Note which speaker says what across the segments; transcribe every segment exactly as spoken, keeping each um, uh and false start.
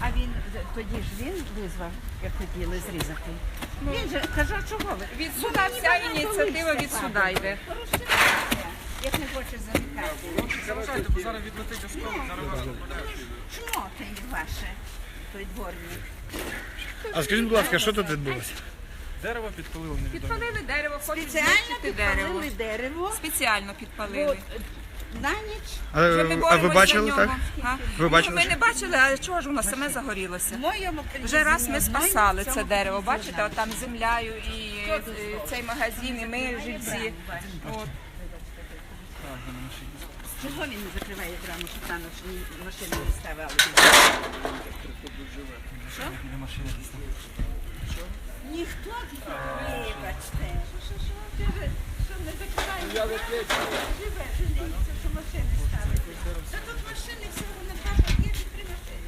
Speaker 1: А він тоді ж він визвав, як хотіли зрізати. Він же казав, чого ви?
Speaker 2: Від суда вся ініціатива від суда йде.
Speaker 1: Як не хоче замикати.
Speaker 3: Залишайте, бо зараз відлетить осколок, зараз вас розпадають.
Speaker 1: Чмо ти ваше, той дворник?
Speaker 4: А скажіть, будь ласка, що тут відбулося?
Speaker 3: Дерево підпалили невідомо.
Speaker 2: Підпалили дерево, хочуть
Speaker 1: Спеціально
Speaker 2: знищити дерево.
Speaker 1: підпалили дерево.
Speaker 2: Спеціально підпалили.
Speaker 1: На ніч.
Speaker 4: А,
Speaker 2: Вже ми
Speaker 4: а ви
Speaker 2: боремось
Speaker 4: бачили,
Speaker 2: за
Speaker 4: так?
Speaker 2: нього. А?
Speaker 4: Ви бачили,
Speaker 2: Ну, ми
Speaker 4: що-
Speaker 2: не бачили, а чого ж воно саме загорілося?
Speaker 1: В моєму
Speaker 2: Вже раз ми
Speaker 1: приміщенні
Speaker 2: спасали
Speaker 1: одної, в
Speaker 2: це
Speaker 1: цьому
Speaker 2: дерево,
Speaker 1: приміщенні
Speaker 2: бачите, от там землею і е, цей магазин, і ми жильці. От.
Speaker 1: Чого він не закриває браму, щоб там машини не ставали? Що?
Speaker 3: Біля машини десь там.
Speaker 1: Ніхто тут не вибачте. Що, що, що, ти же, що не закриває? Живе, жаліється, що машини ставить. Та тут машини всього на два пакети, три машини.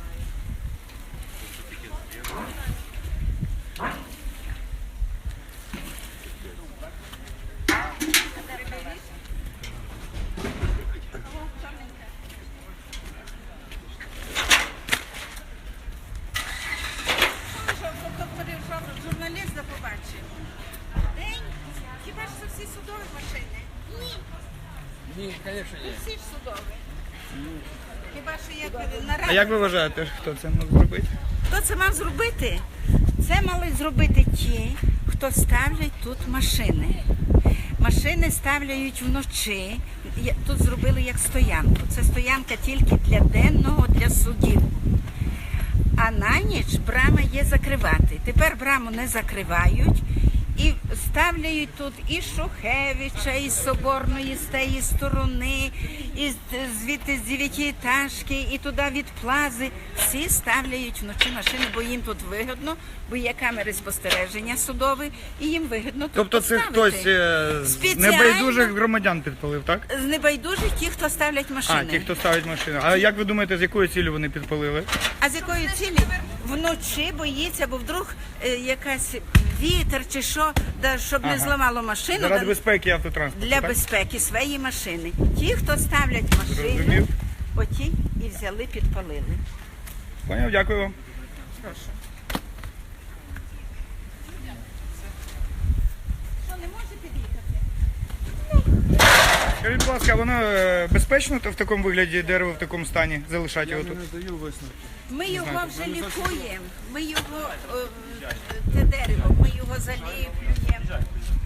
Speaker 1: Журналіста побачив. День? Хіба ж це всі судові машини? Ні.
Speaker 3: Ні, звісно, ні.
Speaker 1: Всі ж судові. Хіба що як на
Speaker 4: А як ви вважаєте, хто це мав зробити?
Speaker 1: Хто це мав зробити? Це мали зробити ті, хто ставлять тут машини. Машини ставляють вночі. Я- Тут зробили як стоянку. Це стоянка тільки для денного, для судів. А на ніч брама є закривати. Тепер браму не закривають і ставляють тут і Шухевича, і з Соборної, з тієї сторони, і з- звідти з дев'ятиэтажки, і туди від Плази. Всі ставляють вночі машини, бо їм тут вигідно, бо є камери спостереження судові, і їм вигідно тут
Speaker 4: Тобто це
Speaker 1: поставити.
Speaker 4: хтось е, з
Speaker 1: Спеціально.
Speaker 4: небайдужих громадян підпалив, так?
Speaker 1: З небайдужих ті, хто ставлять машини.
Speaker 4: А, ті, хто ставить машину. А як ви думаєте, з якою цілею вони підпалили?
Speaker 1: А з якої цілі? Вночі боїться, бо вдруг е, якась вітер чи що, да, щоб не
Speaker 4: Ага.
Speaker 1: зламало машину.
Speaker 4: Заради
Speaker 1: да,
Speaker 4: безпеки автотранспорту,
Speaker 1: для
Speaker 4: так?
Speaker 1: безпеки своєї машини. Ті, хто ставлять машину,
Speaker 4: Зрозумів.
Speaker 1: оті і взяли, підпалили.
Speaker 4: Поняв, дякую вам.
Speaker 1: Прошу. Що, не може під'їхати?
Speaker 4: Скажіть, будь ласка, воно е, безпечно в такому вигляді дерево в такому стані залишати його
Speaker 3: Я
Speaker 4: тут?
Speaker 3: не даю висновки.
Speaker 1: Ми його вже лікуємо. Ми його, о, те дерево, ми його заліплюємо.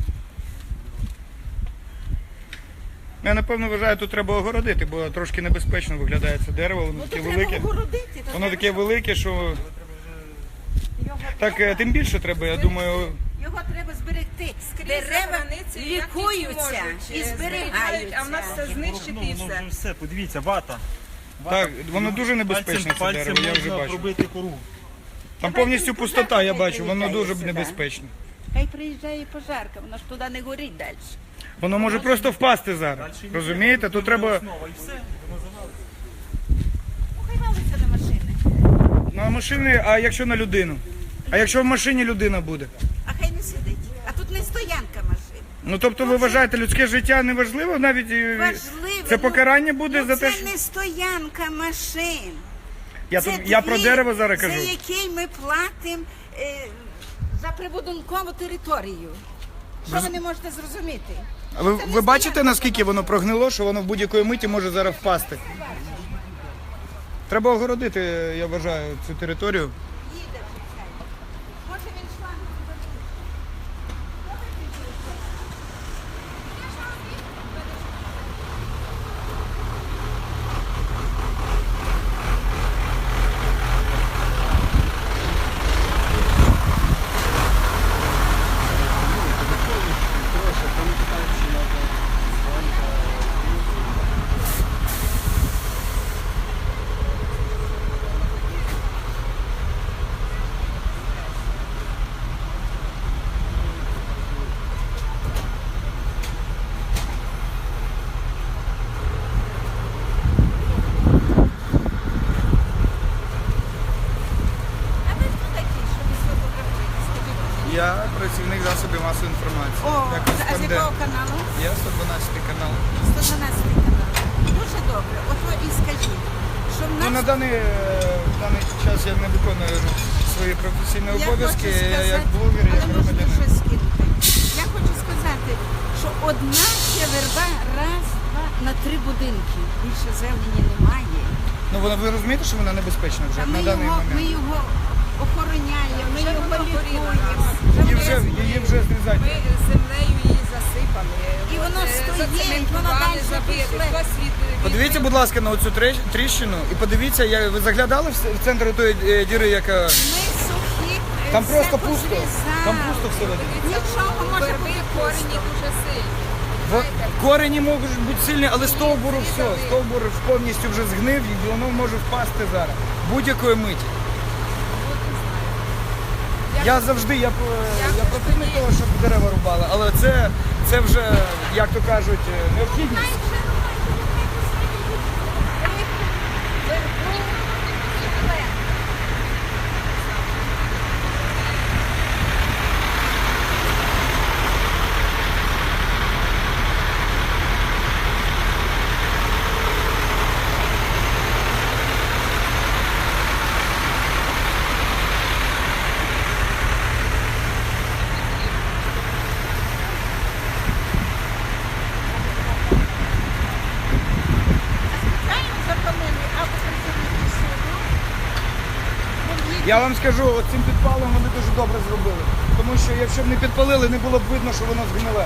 Speaker 4: Я напевно вважаю, тут треба огородити, бо трошки небезпечно виглядає це дерево, воно
Speaker 1: Ну,
Speaker 4: таке
Speaker 1: то треба
Speaker 4: велике.
Speaker 1: огородити. то
Speaker 4: Воно
Speaker 1: треба,
Speaker 4: таке велике, що
Speaker 1: його
Speaker 4: так е,
Speaker 1: треба-
Speaker 4: тим більше треба, я думаю.
Speaker 1: Його треба зберегти.
Speaker 2: Скрізь
Speaker 1: Дерева
Speaker 2: за границею, як тільки
Speaker 1: лікуються
Speaker 2: можуть,
Speaker 1: і
Speaker 2: е,
Speaker 1: зберігаються.
Speaker 2: А в нас все знищити і
Speaker 5: Воно
Speaker 2: все.
Speaker 5: вже все, подивіться, вата.
Speaker 4: Так, воно дуже небезпечне це
Speaker 5: Пальцем
Speaker 4: дерево, я вже
Speaker 5: можна
Speaker 4: бачу.
Speaker 5: пробити кору.
Speaker 4: Там повністю пустота, я бачу, воно дуже небезпечне.
Speaker 1: Хай приїжджає пожарка, воно ж туди не горить далі.
Speaker 4: Воно може просто впасти зараз. Розумієте? Тут треба
Speaker 5: Основа і все, воно завалиться.
Speaker 1: Ну хай валиться на машини.
Speaker 4: на машини, а якщо на людину? А якщо в машині людина буде?
Speaker 1: А хай не сидить. А тут не стоянка машин.
Speaker 4: Ну тобто ви вважаєте, людське життя не важливо навіть? і-
Speaker 1: Важливо.
Speaker 4: Це
Speaker 1: ну,
Speaker 4: покарання буде
Speaker 1: ну,
Speaker 4: за те,
Speaker 1: це
Speaker 4: що...
Speaker 1: не стоянка машин.
Speaker 4: Я,
Speaker 1: Це
Speaker 4: тут- я про
Speaker 1: двір,
Speaker 4: дерево зараз
Speaker 1: за
Speaker 4: кажу.
Speaker 1: який ми платимо е, за прибудинкову територію. Що ви не можете зрозуміти?
Speaker 4: А ви,
Speaker 1: Це не
Speaker 4: ви бачите,
Speaker 1: стоянка.
Speaker 4: наскільки воно прогнило, що воно в будь-якої миті може зараз впасти? Треба огородити, я вважаю, цю територію.
Speaker 1: Їде вже цей. Може він шланг заберуть. А ви хто такі, що ви сфотографуєте? Скажіть, будь
Speaker 4: Я працівник засобів масової інформації.
Speaker 1: О,
Speaker 4: Я
Speaker 1: а з
Speaker 4: кореспондент.
Speaker 1: якого каналу?
Speaker 4: Я сто дванадцятий канал.
Speaker 1: сто дванадцятий канал. Дуже добре. Ото і скажіть, що в
Speaker 4: Ну, на
Speaker 1: нас
Speaker 4: даний, е, на даний час я не виконую свої професійні
Speaker 1: Я
Speaker 4: обов'язки
Speaker 1: хочу
Speaker 4: я як
Speaker 1: сказати,
Speaker 4: блогер, як
Speaker 1: але можна
Speaker 4: громадянин.
Speaker 1: щось скинути. Я хочу сказати, що одна ще верба раз, два на три будинки. Більше зелені немає.
Speaker 4: Ну вона ви розумієте, що вона небезпечна вже
Speaker 1: А ми
Speaker 4: на даний
Speaker 1: його, ми
Speaker 4: момент.
Speaker 1: його охороняємо, ми
Speaker 2: Вже
Speaker 1: його
Speaker 2: воно горіло
Speaker 1: лікуємо.
Speaker 2: раз.
Speaker 4: Її вже її вже зрізають.
Speaker 2: Ми землею її засипали.
Speaker 1: І
Speaker 2: От,
Speaker 1: воно
Speaker 2: е,
Speaker 1: стоїть,
Speaker 2: зацементували,
Speaker 1: воно далі
Speaker 2: забили.
Speaker 1: пішле.
Speaker 2: Хтось від- від-
Speaker 4: Подивіться, будь ласка, на оцю трещ- тріщину і подивіться, я, ви заглядали в с- в центр тої е, діри, яка
Speaker 1: Ми сухі, е,
Speaker 4: там
Speaker 1: все
Speaker 4: просто пусто.
Speaker 1: позрізали.
Speaker 4: Там пусто всередині.
Speaker 1: Нічого може
Speaker 2: Верби
Speaker 1: бути
Speaker 2: корені дуже сильні.
Speaker 4: В- Корені можуть бути сильні, але стовбуру все, стовбур повністю вже згнив і воно може впасти зараз. Будь-якої миті. Я завжди, я, п- я противник того, щоб дерева рубали, але це, це вже, як то кажуть, е, необхідність. Я вам скажу, от цим підпалом вони дуже добре зробили. Тому що якщо б не підпалили, не було б видно, що воно згниле.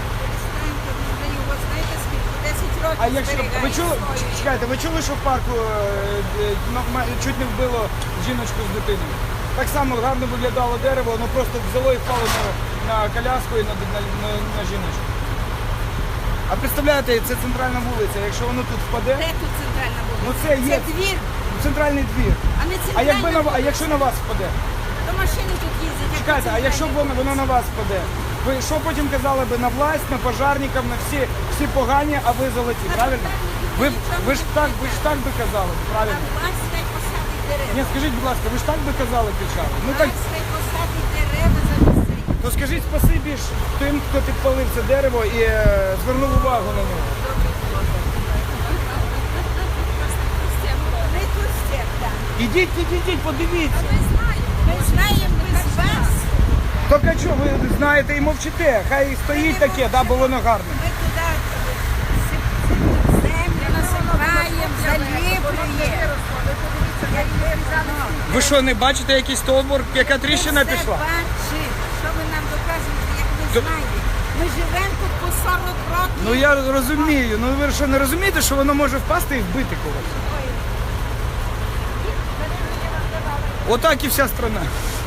Speaker 4: А якщо ви чули, чекайте, ви чули, що в парку е, е, на- ма- чуть не вбило жіночку з дитиною? Так само гарно виглядало дерево, воно просто взяло і впало на, на коляску і на, на, на, на жіночку. А представляєте, це центральна вулиця, якщо воно тут впаде,
Speaker 1: Де тут центральна вулиця?
Speaker 4: ну це є
Speaker 1: Це двір,
Speaker 4: центральний двір.
Speaker 1: а не
Speaker 4: А
Speaker 1: центральна
Speaker 4: якби на
Speaker 1: вулиця.
Speaker 4: а якщо на вас впаде?
Speaker 1: То машини тут їздять. як
Speaker 4: Чекайте, а
Speaker 1: по
Speaker 4: якщо б
Speaker 1: центральній
Speaker 4: воно, воно на вас впаде? Ви що потім казали би на власть, на пожарникам, на всі, всі погані, а ви золоті, правильно? Ви, б- ви ж так, ви ж так би казали,
Speaker 1: А
Speaker 4: правильно?
Speaker 1: власть хай посадить дерева.
Speaker 4: Ні, скажіть, будь ласка, ви ж так би казали кричали? Ну так,
Speaker 1: Власть хай посадить дерева замість цих.
Speaker 4: то скажіть спасибі ж тим, хто підпалив це дерево і е, звернув увагу на нього.
Speaker 1: Ми тут всіх, так.
Speaker 4: Ідіть, ідіть, ідіть, подивіться.
Speaker 1: Ми знаємо без вас.
Speaker 4: Так а чого ви знаєте і мовчите? Хай стоїть таке, да, бо воно гарне.
Speaker 1: Ми туди сип- землю насипаємо, заліплюємо.
Speaker 4: Ви що, не бачите якийсь стовбур, яка тріщина
Speaker 1: Ми
Speaker 4: пішла?
Speaker 1: все бачимо. Що ви нам доказуєте, як ви
Speaker 4: То-
Speaker 1: знаєте? Ми живемо тут по сорок років.
Speaker 4: Ну я розумію. Ну ви що не розумієте, що воно може впасти і вбити когось? Отак і вся страна.